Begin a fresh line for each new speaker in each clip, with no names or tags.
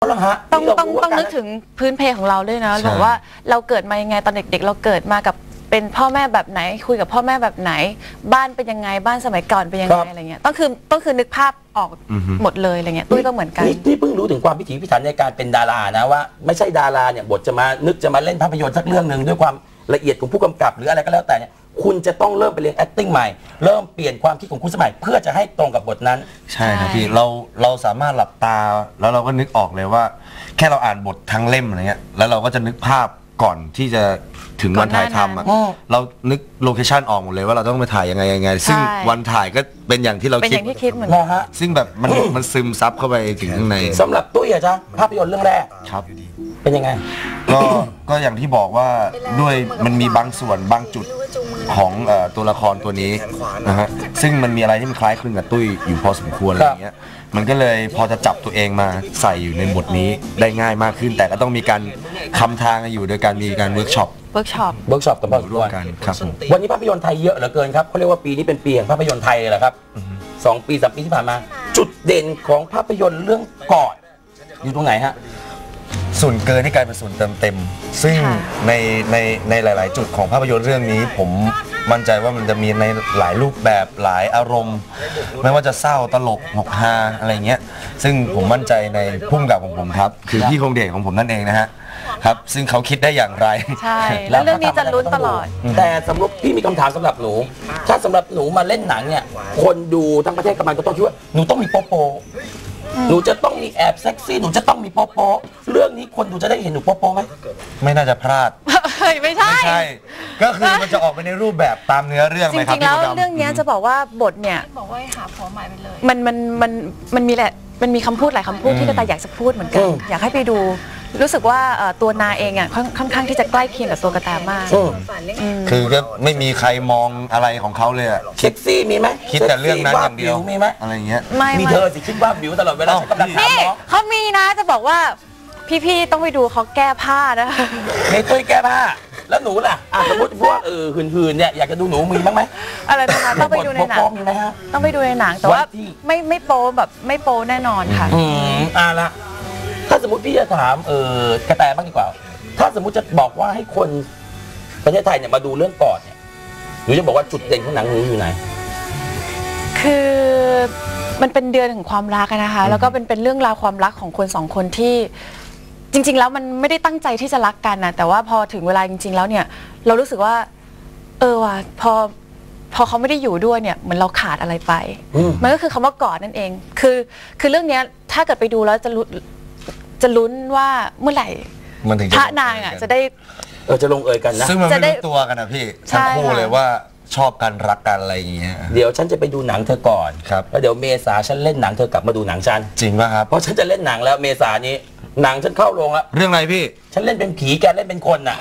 เหรอฮะ
ต้องนึกถึงพื้นเพของเราด้วยนะบอกว่าเราเกิดมายังไงตอนเด็กๆเราเกิดมากับเป็นพ่อแม่แบบไหนคุยกับพ่อแม่แบบไหนบ้านเป็นยังไงบ้านสมัยก่อนเป็นยังไงอะไรเงี้ยต้องคือนึกภาพออกหมดเลยอะไรเงี้ยตุ้ยก็เหมือนกัน
นี่เพิ่งรู้ถึงความพิถีพิถันในการเป็นดารานะว่าไม่ใช่ดาราเนี่ยบทจะมาเล่นภาพยนตร์สักเรื่องหนึ่งด้วยความละเอียดของผู้กำกับหรืออะไรก็แล้วแต่เนี่ยคุณจะต้องเริ่มไปเรียน acting ใหม่เริ่มเปลี่ยนความคิดของคุณสมัยเพื่อจะให้ตรงกับบทนั้น
ใช่ครับพี่เราสามารถหลับตาแล้วเราก็นึกออกเลยว่าแค่เราอ่านบททั้งเล่มอะไรเงี้ยแล้วเราก็จะนึกภาพก่อนที่จะถึงวันถ่ายทำเรานึกโลเคชั่นออกหมดเลยว่าเราต้องไปถ่ายยังไงซึ่งวันถ่ายก็เป็นอย่างที่เรา
คิดเหมือนกัน
ซึ่งแบบมันซึมซับเข้าไปถึงข้างใน
สำหรับตุ้ยอะจ๊ะภาพยนตร์เรื่องแรก
ครับ
เป็นยังไง
ก็อย่างที่บอกว่าด้วยมันมีบางส่วนบางจุดของตัวละครตัวนี้นะฮะซึ่งมันมีอะไรที่มันคล้ายคลึงกับตุ้ยอยู่พอสมควรอะไรอย่างเงี้ยมันก็เลยพอจะจับตัวเองมาใส่อยู่ในบทนี้ได้ง่ายมากขึ้นแต่ก็ต้องมีการคำทางอยู่โดยการมีการเวิร์กช็อป
กับพ่อร่วม
กันครับ
วันนี้ภาพยนตร์ไทยเยอะเหลือเกินครับเขาเรียกว่าปีนี้เป็นปีแห่งภาพยนตร์ไทยเลยแหละครับ2 ปี 3 ปีที่ผ่านมาจุดเด่นของภาพยนตร์เรื่องกอดอยู่ตรงไหนฮะ
ส่วนเกินให้กลายเป็นส่วนเติมเต็มซึ่งในหลายๆจุดของภาพยนตร์เรื่องนี้ผมมั่นใจว่ามันจะมีในหลายรูปแบบหลายอารมณ์ไม่ว่าจะเศร้าตลกหกฮาอะไรเงี้ยซึ่งผมมั่นใจในพุ่มกับของผมครับคือพี่คงเดชของผมนั่นเองนะฮะครับซึ่งเขาคิดได้อย่างไร
ใช่แล้วเรื่องนี้จะลุ้นตลอด
แต่สำหรับพี่มีคำถามสำหรับหนูถ้าสำหรับหนูมาเล่นหนังเนี่ยคนดูทั้งประเทศกำลังก็ต้องคิดว่าหนูต้องมีโป๊ะหนูจะต้องมีแอบเซ็กซี่หนูจะต้องมีโป๊ะเรื่องนี้คนดูจะได้เห็นหนูโป๊ะไหม
ไม่น่าจะพลาด
ไม่ใช่
ก็คือมันจะออกไปในรูปแบบตามเนื้อเรื่องไหมครับ
จริงๆแล้วเรื่องนี้จะบอกว่าบทเนี่ย
บอกว่าหาผัวใหม่ไปเลย
มันมีแหละมันมีคำพูดหลายคำพูดที่กระต่ายอยากจะพูดเหมือนกันอยากให้ไปดูรู้สึกว่าตัวนาเองอ่ะค่อนข้างที่จะใกล้เคียงกับตัวกระต่ายมาก
คือก็ไม่มีใครมองอะไรของเขาเลยอะ
เซ็กซี่มีไหม
คิดแต่เรื่องนั้นอย่างเดียว
มีไหม
อะไรเงี้ย
มีเธอสิคิดว่าบิวตลอดเวลาฉันกำลังถามน้อง
เขามีนะจะบอกว่าพี่ๆต้องไปดูเขาแก้ผ้านะ
ในตุ้ยแก้ผ้าแล้วหนูล่ะสมมติพวกหืนๆเนี่ยอยากจะดูหนูมีบ้างไหม
อะไรนะคะต้องไปดูในหนังต้องไปดูในหนังแต่ว่าไม่โป๊แบบไม่โป๊แน่นอนค่ะ
ละถ้าสมมติพี่จะถามกระแตบ้างดีกว่าถ้าสมมติจะบอกว่าให้คนประเทศไทยเนี่ยมาดูเรื่องกอดเนี่ยหนูจะบอกว่าจุดเด่นของหนังหนูอยู่ไหน
คือมันเป็นเดือนของความรักนะคะแล้วก็เป็นเรื่องราวความรักของคน2 คนที่จริงๆแล้วมันไม่ได้ตั้งใจที่จะรักกันนะแต่ว่าพอถึงเวลาจริงๆแล้วเนี่ยเรารู้สึกว่าว่ะพอเขาไม่ได้อยู่ด้วยเนี่ยเหมือนเราขาดอะไรไปมันก็คือคำว่ากอดนั่นเองคือเรื่องนี้ถ้าเกิดไปดูแล้วจะลุ้นว่าเมื่อไหร่พระนางอ่ะจะได้
จะลงเอยกันนะ
ซึ่งมันไม่รู้ตัวกันนะพี่ทั้งคู่เลยว่าชอบกันรักกันอะไรอย่างเงี้ย
เดี๋ยวฉันจะไปดูหนังเธอก่อน
ครับ
แล้วเดี๋ยวเมษาฉันเล่นหนังเธอกลับมาดูหนังฉัน
จริงป่ะครับ
เพราะฉันจะเล่นหนังแล้วเมษานี้หนังฉันเข้าโรงแล้ว
เรื่องอะไรพี่
ฉันเล่นเป็นผีแกเล่นเป็นคนน่ะ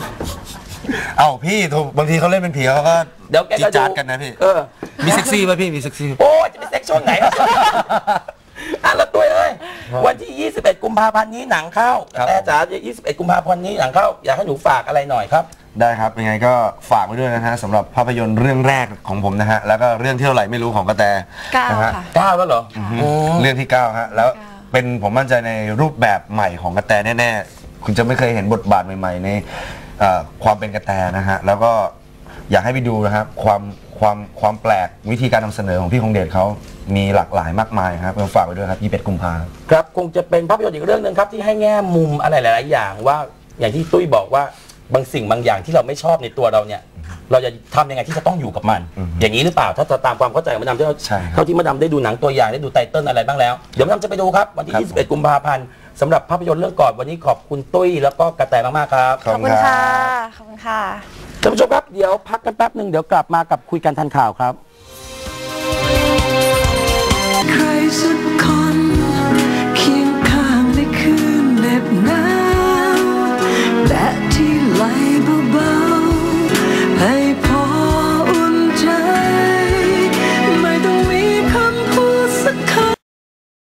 พี่บางทีเขาเล่นเป็นผีเขาก็
เดี๋ยวแกก็
จัดกันนะพี่มีเซ็กซี่ป่ะพี่มีเซ็กซี่
โอ้จะเป็นเซ็กช่วงไหนแล้วตัววันที่21 กุมภาพันธ์นี้หนังเข้าแต่จ๋า21 กุมภาพันธ์นี้หนังเข้าอยากให้หนูฝากอะไรหน่อยครับ
ได้ครับยังไงก็ฝากไว้ด้วยนะฮะสำหรับภาพยนตร์เรื่องแรกของผมนะฮะแล้วก็เรื่องที่เท่าไหร่ไม่รู้ของกระแต
นะฮะ
9แล้วเหรอ
เรื่องที่9ฮะแล้วเป็นผมมั่นใจในรูปแบบใหม่ของกระแตแน่ๆคุณจะไม่เคยเห็นบทบาทใหม่ๆในความเป็นกระแตนะฮะแล้วก็อยากให้ไปดูนะครับความแปลกวิธีการนำเสนอของพี่คงเดชเขามีหลากหลายมากมายครับฝากไว้ด้วยครับ21 กุมภาพันธ์
ครับคงจะเป็นภาพยนตร์อีกเรื่องนึงครับที่ให้แง่มุมอะไรหลายๆอย่างว่าอย่างที่ตุ้ยบอกว่าบางสิ่งบางอย่างที่เราไม่ชอบในตัวเราเนี่ยเราจะทำยังไงที่จะต้องอยู่กับมันอย่างนี้หรือเปล่าถ้าตามความเข้าใจของมาดามเท่าที่มาดามได้ดูหนังตัวอย่างได้ดูไตเติ้ลอะไรบ้างแล้วเดี๋ยวมาดามจะไปดูครับวันที่21 กุมภาพันธ์สำหรับภาพยนตร์เรื่องกอดวันนี้ขอบคุณตุ้ยแล้วก็กระแตมากๆครับ
ขอบคุณค่ะขอบคุณค่ะ
ท่านผู้ชมครับเดี๋ยวพักกันแป๊บนึงเดี๋ยวกลับมากับคุยกันทันข่าวครับ